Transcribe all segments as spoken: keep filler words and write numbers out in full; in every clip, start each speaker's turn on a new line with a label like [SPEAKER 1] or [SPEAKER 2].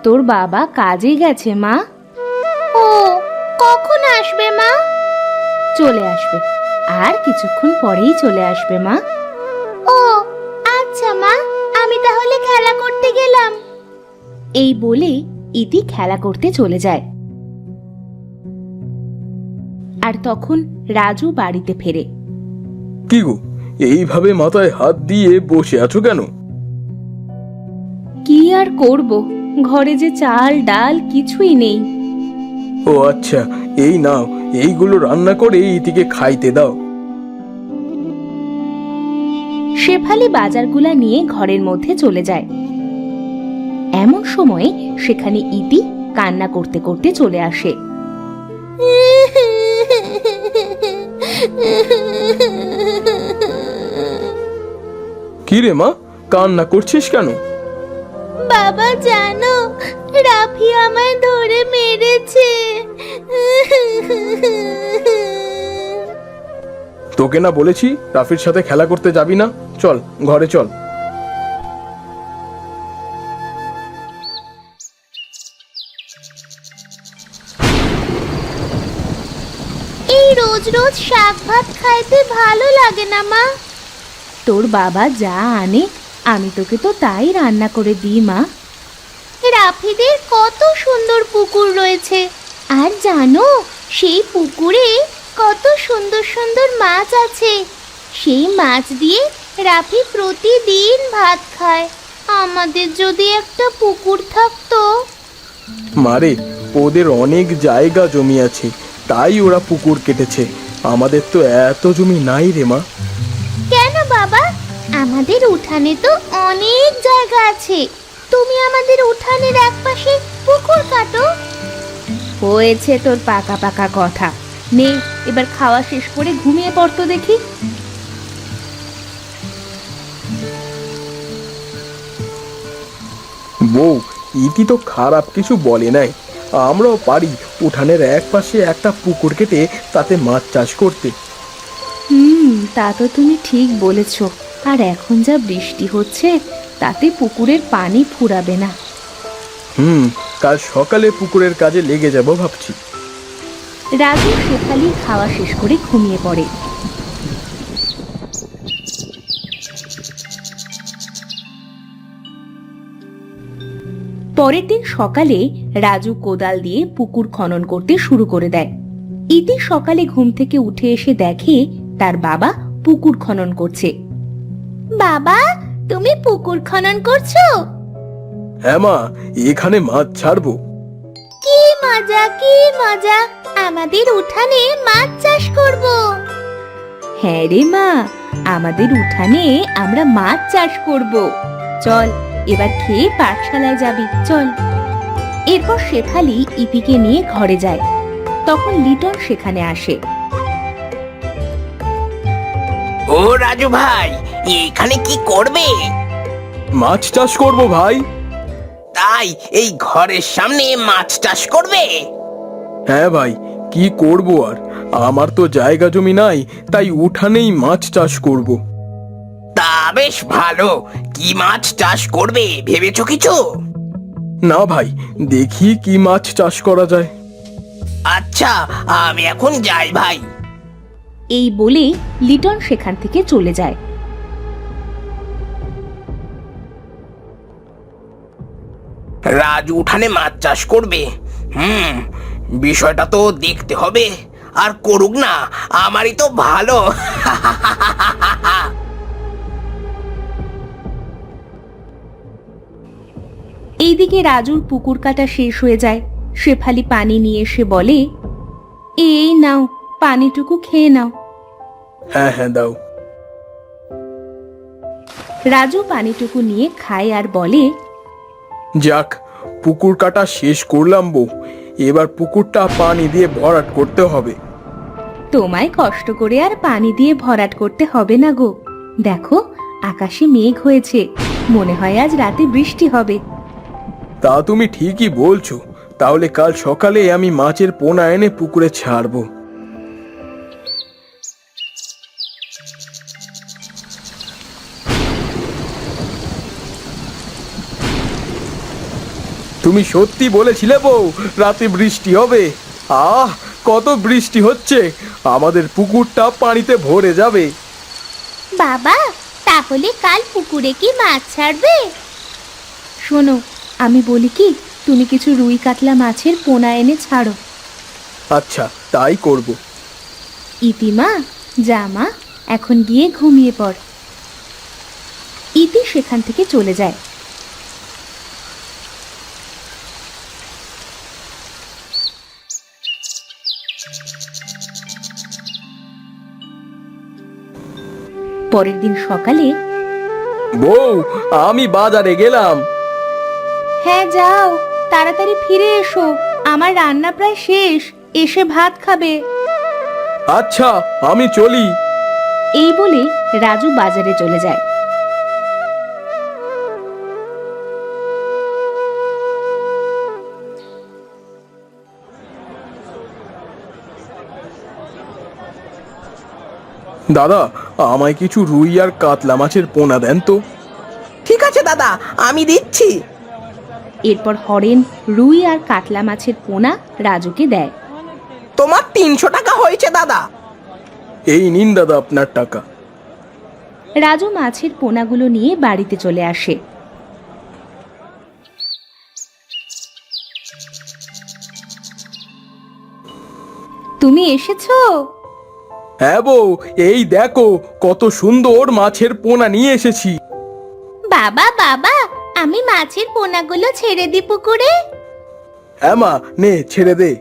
[SPEAKER 1] তোর বাবা কাজে গেছে মা। ও, কখন আসবে মা? চলে আসবে, আর কিছুক্ষণ পরেই চলে আসবে মা। ও আচ্ছা মা, আমি তাহলে খেলা করতে গেলাম। এই বলে ইতি খেলা করতে চলে যায়। আর তখন রাজু বাড়িতে ফেরে।
[SPEAKER 2] কি গো, এইভাবে মাথায় হাত দিয়ে বসে আছো কেন?
[SPEAKER 1] কি আর করব, ঘরে যে চাল ডাল কিছুই নেই।
[SPEAKER 2] ও আচ্ছা, এই নাও, এইগুলো রান্না করে ইতিকে খাইতে দাও।
[SPEAKER 1] শেফালি বাজারগুলা নিয়ে ঘরের মধ্যে চলে যায়। এমন সময় সেখানে ইতি কান্না করতে করতে চলে আসে।
[SPEAKER 2] কি রে মা, কান্না করছিস কেন?
[SPEAKER 1] বাবা জানো, রাফি আমায় ধরে মেরেছে।
[SPEAKER 2] তোকে না বলেছি রাফির সাথে খেলা করতে যাবি না? চল ঘরে চল।
[SPEAKER 1] এই রোজ রোজ শাক ভাত খাইতে ভালো লাগে না মা। তোর বাবা যা আনে আমি তোকে তো তাই রান্না করে দিই মা। রাফিদের কত সুন্দর পুকুর রয়েছে, আর জানো সেই পুকুরে কত সুন্দর সুন্দর মাছ আছে। সেই মাছ দিয়ে রাফি প্রতিদিন ভাত খায়। আমাদের যদি একটা পুকুর থাকতো।
[SPEAKER 2] মারে, ওদের অনেক জায়গা জমি আছে, তাই ওরা পুকুর কেটেছে। আমাদের তো এত জমি নাই রে মা।
[SPEAKER 1] কেন বাবা, আমাদের উঠানে তো অনেক জায়গা আছে। তুমি আমাদের উঠানের একপাশে পুকুর কাটো। হয়েছে তোর পাকা পাকা কথা। নে, এবার খাওয়া শেষ করে ঘুমিয়ে পড়তো দেখি।
[SPEAKER 2] বউ, ইতি তো খারাপ কিছু বলে নাই। আমরাও পারি উঠানের এক পাশে একটা পুকুর কেটে তাতে মাছ চাষ করতে।
[SPEAKER 1] হুম, তা তো তুমি ঠিক বলেছ। আর এখন যা বৃষ্টি হচ্ছে তাতে পুকুরের পানি ফুরাবে না।
[SPEAKER 2] হুম, কাল সকালে পুকুরের কাজে লেগে যাব ভাবছি।
[SPEAKER 1] রাজু শেফালি খাওয়া শেষ করে ঘুমিয়ে পড়ে। পরের দিন সকালে রাজু কোদাল দিয়ে পুকুর খনন করতে শুরু করে দেয়। ইতি সকালে ঘুম থেকে উঠে এসে দেখে তার বাবা পুকুর খনন করছে। বাবা, তুমি পুকুর খনন করছো?
[SPEAKER 2] হ্যাঁ মা, এখানে মাছ ছাড়বো।
[SPEAKER 1] কি মজা, কি মজা, আমাদের উঠানে মাছ চাষ করব। হ্যাঁ রে মা, আমাদের উঠানে আমরা মাছ চাষ করব। চল এবার খেয়ে পাঠশালায় যাবি, চল। এরপর শেফালি ইতিকে নিয়ে ঘরে যায়। তখন লিটন সেখানে আসে।
[SPEAKER 3] ও রাজু ভাই, এখানে কি করবে?
[SPEAKER 2] মাছ চাষ করব ভাই।
[SPEAKER 3] তাই এই ঘরের সামনে মাছ চাষ করবে?
[SPEAKER 2] হ্যাঁ ভাই, কি করব আর, আমার তো জায়গা জমি নাই, তাই উঠানেই মাছ চাষ করব।
[SPEAKER 3] তা বেশ ভালো। কি মাছ চাষ করবে ভেবেছো কিছু?
[SPEAKER 2] না ভাই, দেখি কি মাছ চাষ করা যায়।
[SPEAKER 3] আচ্ছা, আমি এখন যাই ভাই।
[SPEAKER 1] এই বলে লিটন সেখান থেকে চলে যায়।
[SPEAKER 3] রাজু উঠানে মাছ চাষ করবে। হুম, বিষয়টা তো দেখতে হবে। আর করুক না, আমারই তো ভালো।
[SPEAKER 1] এইদিকে রাজুর পুকুর কাটা শেষ হয়ে যায়। শেফালি পানি নিয়ে এসে বলে, এই নাও, পানিটুকু খেয়ে নাও।
[SPEAKER 2] হ্যাঁ হ্যাঁ দাও।
[SPEAKER 1] রাজু পানিটুকু নিয়ে খায় আর বলে,
[SPEAKER 2] যাক, পুকুর কাটা শেষ করলাম বউ। এবার পুকুরটা পানি দিয়ে ভরাট করতে হবে।
[SPEAKER 1] তোমায় কষ্ট করে আর পানি দিয়ে ভরাট করতে হবে না গো। দেখো, আকাশে মেঘ হয়েছে, মনে হয় আজ রাতে বৃষ্টি হবে।
[SPEAKER 2] তা তুমি ঠিকই বলছো। তাহলে কাল সকালে আমি মাছের পোনা এনে পুকুরে ছাড়বো। তুমি সত্যি বলেছিলে বউ রাতে বৃষ্টি হবে। আহ, কত বৃষ্টি হচ্ছে, আমাদের পুকুরটা পানিতে ভরে যাবে।
[SPEAKER 1] বাবা, তাহলে কাল পুকুরে কি মাছ ছাড়বে? শোনো, আমি বলি কি, তুমি কিছু রুই কাতলা মাছের পোনা এনে ছাড়ো।
[SPEAKER 2] আচ্ছা, তাই করব।
[SPEAKER 1] ইতিমা, যা মা, এখন গিয়ে ঘুমিয়ে পড়। ইতি সেখান থেকে চলে যায়। পরের দিন সকালে,
[SPEAKER 2] বউ, আমি বাজারে গেলাম।
[SPEAKER 1] হ্যাঁ যাও, তাড়াতাড়ি ফিরে এসো, আমার রান্না প্রায় শেষ, এসে ভাত খাবে।
[SPEAKER 2] আচ্ছা, আমি চলি।
[SPEAKER 1] এই বলে রাজু বাজারে চলে যায়।
[SPEAKER 2] দাদা, আমায় কিছু রুই আর কাতলা মাছের পোনা দেন তো।
[SPEAKER 3] ঠিক আছে দাদা, আমি দিচ্ছি।
[SPEAKER 1] এরপর হরেন রুই আর কাতলা মাছের পোনা রাজুকে দেয়।
[SPEAKER 3] তোমার তিনশো টাকা হয়েছে দাদা।
[SPEAKER 2] এই নিন দাদা আপনার টাকা।
[SPEAKER 1] রাজু মাছের পোনাগুলো নিয়ে বাড়িতে চলে আসে। তুমি এসেছো?
[SPEAKER 2] হ্যাঁ বউ, এই দেখো কত সুন্দর মাছের পোনা নিয়ে এসেছি।
[SPEAKER 1] বাবা বাবা, আমি মাছের পোনাগুলো ছেড়ে দি পুকুরে।
[SPEAKER 2] হ্যাঁ মা, নে ছেড়ে দে।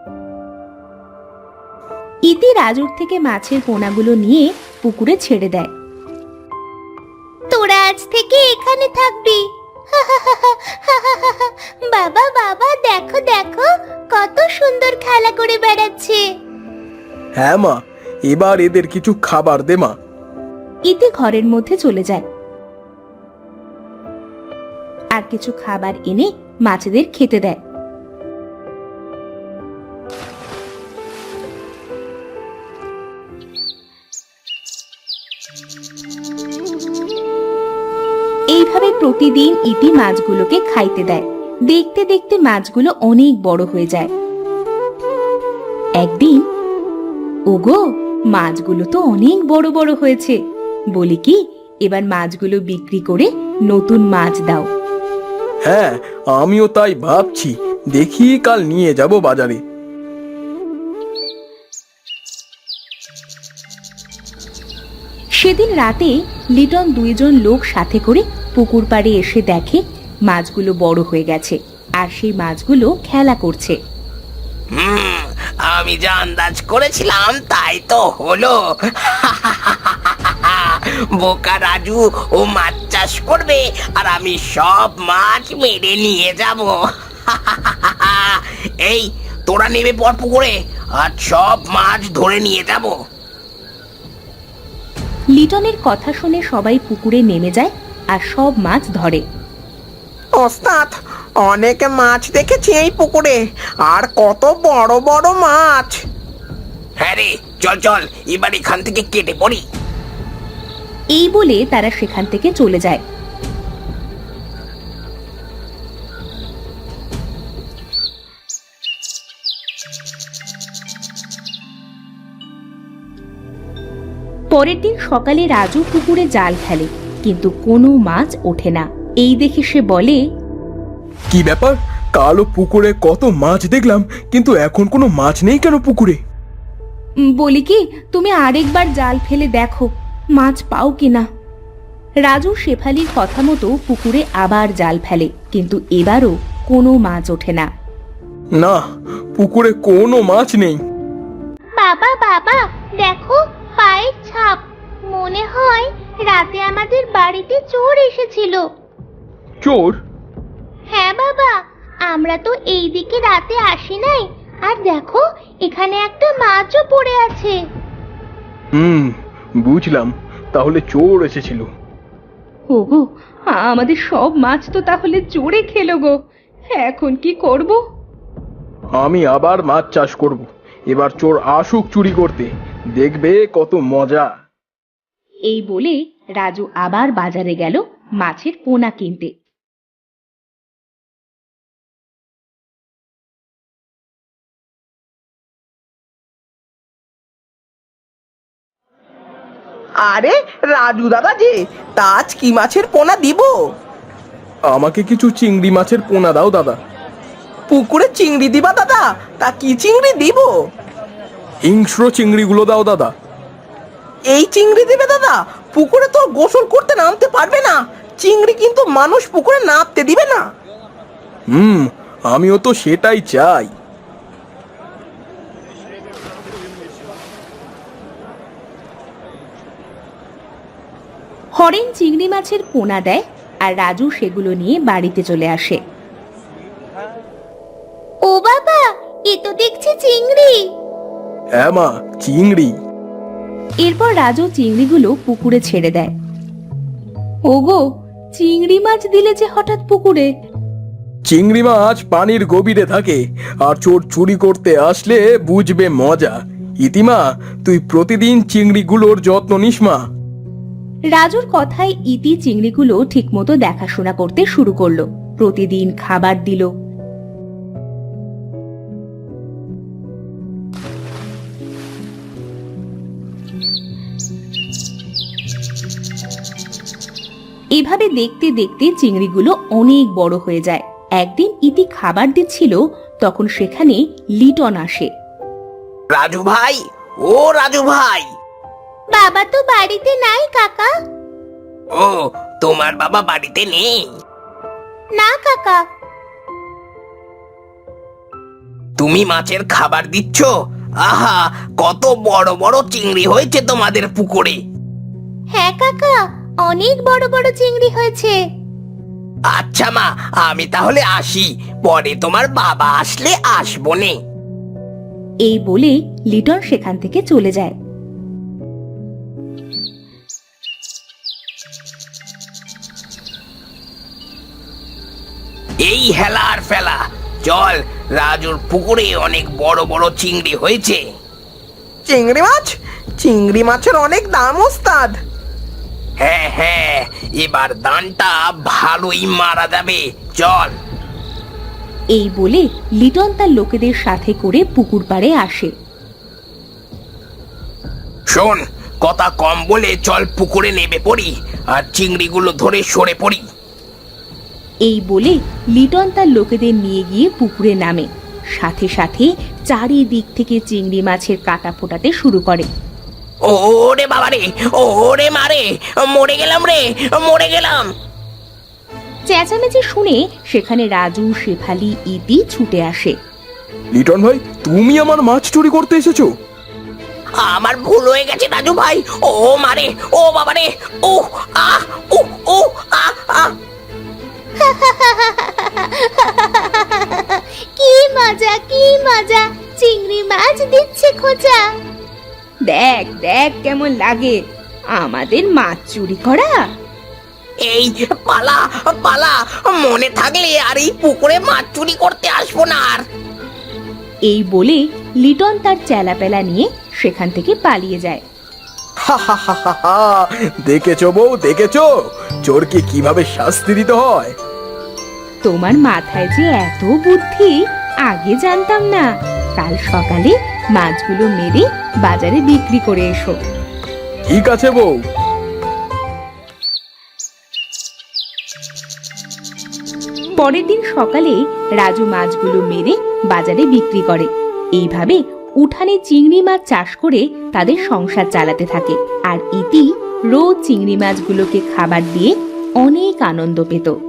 [SPEAKER 1] ইতি রাজুর থেকে মাছের পোনাগুলো নিয়ে পুকুরে ছেড়ে দেয়। তোরা আজ থেকে এখানে থাকবি। বাবা বাবা, দেখো দেখো কত সুন্দর খেলা করে বেড়াচ্ছে।
[SPEAKER 2] হ্যাঁ মা, এবার এদের কিছু খাবার দে মা।
[SPEAKER 1] ইতি ঘরের মধ্যে চলে যায় আর কিছু খাবার এনে মাছেদের খেতে দেয়। এইভাবে প্রতিদিন ইতি মাছগুলোকে খাইতে দেয়। দেখতে দেখতে মাছগুলো অনেক বড় হয়ে যায়। একদিন, ওগো, মাছগুলো তো অনেক বড় বড় হয়েছে, বলি কি, এবার মাছগুলো বিক্রি করে নতুন মাছ দাও।
[SPEAKER 2] হ্যাঁ, আমিও তাই ভাবছি, দেখি কাল নিয়ে যাব বাজারে।
[SPEAKER 1] সেদিন রাতে লিটন দুইজন লোক সাথে করে পুকুর পাড়ে এসে দেখে মাছগুলো বড় হয়ে গেছে আর সেই মাছগুলো খেলা করছে।
[SPEAKER 3] হুম, আমি যা আন্দাজ করেছিলাম তাই তো হলো। বোকা রাজু ও মাছ চাষ করবে আর আমি সব মাছ মেরে নিয়ে যাব। এই, তোরা নেমে পড় পুকুরে, আর সব মাছ ধরে নিয়ে যাব।
[SPEAKER 1] লিটনের কথা শুনে সবাই পুকুরে নেমে যায় আর সব মাছ ধরে।
[SPEAKER 3] ওস্তাদ, অনেক মাছ দেখেছি এই পুকুরে, আর কত বড় বড় মাছ। হ্যাঁ রে, চল চল, এবার এখান থেকে কেটে পড়ি।
[SPEAKER 1] এই বলে তারা সেখান থেকে চলে যায়। পরের দিন সকালে রাজু পুকুরে জাল ফেলে, কিন্তু কোনো মাছ ওঠে না। এই দেখে সে বলে,
[SPEAKER 2] কি ব্যাপার, কালো পুকুরে কত মাছ দেখলাম, কিন্তু এখন কোনো মাছ নেই কেন পুকুরে?
[SPEAKER 1] "উম, বলি কি, তুমি আরেকবার জাল ফেলে দেখো, মাছ পাও কিনা। রাজু শেফালির কথা মতো পুকুরে আবার জাল ফেলে, কিন্তু এবারও কোনো মাছ ওঠে না।
[SPEAKER 2] না, পুকুরে কোনো মাছ নেই।
[SPEAKER 1] বাবা বাবা, দেখো পায়ের ছাপ, মনে হয় রাতে আমাদের বাড়িতে চোর এসেছিল।
[SPEAKER 2] চোর?
[SPEAKER 1] হ্যাঁ বাবা, আমরা তো এই দিকে রাতে আসি নাই, আর দেখো এখানে একটা মাছও পড়ে আছে।
[SPEAKER 2] হুম, বুঝলাম, তাহলে চোর এসেছিল।
[SPEAKER 1] ওগো, আমাদের সব মাছ তো তাহলে চোরে খেলো গো, এখন কি করব?
[SPEAKER 2] আমি আবার মাছ চাষ করব, এবার চোর আসুক চুরি করতে, দেখবে কত মজা।
[SPEAKER 1] এই বলে রাজু আবার বাজারে গেল মাছের পোনা কিনতে।
[SPEAKER 3] আরে রাজু দাদা যে, তা আজ কি মাছের পোনা দিব?
[SPEAKER 2] আমাকে কিছু চিংড়ি মাছের পোনা দাও দাদা।
[SPEAKER 3] পুকুরে চিংড়ি দিবা দাদা? তা কি চিংড়ি দিব?
[SPEAKER 2] হিংস্র চিংড়িগুলো দাও দাদা।
[SPEAKER 3] এই চিংড়ি দিবে দাদা? পুকুরে তো গোসল করতে নামতে পারবে না, চিংড়ি কিন্তু মানুষ পুকুরে নামতে দিবে না।
[SPEAKER 2] হুম, আমিও তো সেটাই চাই।
[SPEAKER 1] হরেন চিংড়ি মাছের পোনা দেয় আর রাজু সেগুলো নিয়ে বাড়িতে চলে আসে। ও বাবা, এ তো দেখছি চিংড়ি।
[SPEAKER 2] হ্যাঁ মা, চিংড়ি।
[SPEAKER 1] এরপর রাজু চিংড়িগুলো পুকুরে ছেড়ে দেয়। ওগো, চিংড়ি মাছ দিলে যে হঠাৎ পুকুরে?
[SPEAKER 2] চিংড়ি মাছ পানির গভীরে থাকে, আর চোর চুরি করতে আসলে বুঝবে মজা। ইতিমা, তুই প্রতিদিন চিংড়িগুলোর যত্ন নিস মা।
[SPEAKER 1] রাজুর কথায় ইতি চিংড়িগুলো ঠিকমতো দেখাশোনা করতে শুরু করলো। প্রতিদিন খাবার দিল। এভাবে দেখতে দেখতে চিংড়িগুলো অনেক বড় হয়ে যায়। একদিন ইতি খাবার দিচ্ছিল, তখন সেখানে লিটন আসে।
[SPEAKER 3] রাজু ভাই, ও রাজু ভাই।
[SPEAKER 1] বাবা তো বাড়িতে নাই কাকা।
[SPEAKER 3] ও, তোমার বাবা বাড়িতে নেই?
[SPEAKER 1] না কাকা।
[SPEAKER 3] তুমি মাছের খাবার দিচ্ছ? আহা, কত বড় বড় চিংড়ি হয়েছে তোমাদের পুকুরে।
[SPEAKER 1] হ্যাঁ কাকা, অনেক বড় বড় চিংড়ি হয়েছে।
[SPEAKER 3] আচ্ছা মা, আমি তাহলে আসি, পরে তোমার বাবা আসলে আসবো নে।
[SPEAKER 1] এই বলে লিটন সেখান থেকে চলে যায়।
[SPEAKER 3] এই হেলার ফেলা, চল, রাজুর পুকুরে অনেক বড় বড় চিংড়ি হয়েছে। চিংড়ি মাছ? চিংড়ি মাছের অনেক দাম ওস্তাদ। হ্যাঁ হ্যাঁ, এবার দানটা ভালোই মারা যাবে, চল।
[SPEAKER 1] এই বলে লিটন তার লোকেদের সাথে করে পুকুর পাড়ে আসে।
[SPEAKER 3] শোন, কথা কম বলে চল পুকুরে নেমে পড়ি আর চিংড়িগুলো ধরে সরে পড়ি।
[SPEAKER 1] এই বলে লিটন তার লোকেদের নিয়ে গিয়ে পুকুরে নামে। সাথে সাথে চারিদিক থেকে চিংড়ি মাছের কাটা ফোটাতে শুরু করে।
[SPEAKER 3] ওরে বাবা রে, ওরে মারে, মরে গেলাম রে, মরে গেলাম।
[SPEAKER 1] চেঁচামেচি শুনে সেখানে রাজু, শেফালি, ইতি ছুটে আসে।
[SPEAKER 2] লিটন ভাই, তুমি আমার মাছ চুরি করতে এসেছো?
[SPEAKER 3] আমার ভুল হয়ে গেছে রাজু ভাই, ও মারে, ও বাবা রে, ও আহ ও ও আহ আহ।
[SPEAKER 1] কি মজা, কি মজা, চিংড়ি মাছ দিচ্ছে খোঁজা। দেখ দেখ কেমন লাগে আমাদের মাছ চুরি করা।
[SPEAKER 3] এই পালা পালা, মনে থাকলে আর এই পুকুরে মাছ চুরি করতে আসবো না আর।
[SPEAKER 1] এই বলে লিটন তার চেলাপেলা নিয়ে সেখান থেকে পালিয়ে যায়।
[SPEAKER 2] দেখেছো বউ, দেখেছো চোরকে কিভাবে শাস্তি দিতে হয়।
[SPEAKER 1] তোমার মাথায় যে এত বুদ্ধি, আগে জানতাম না। কাল সকালে মাছগুলো মেরে বাজারে বিক্রি করে এসো।
[SPEAKER 2] ঠিক আছে বউ।
[SPEAKER 1] পরের দিন সকালে রাজু মাছগুলো মেরে বাজারে বিক্রি করে। এইভাবে উঠানে চিংড়ি মাছ চাষ করে তাদের সংসার চালাতে থাকে। আর ইতি রোজ চিংড়ি মাছগুলোকে খাবার দিয়ে অনেক আনন্দ পেত।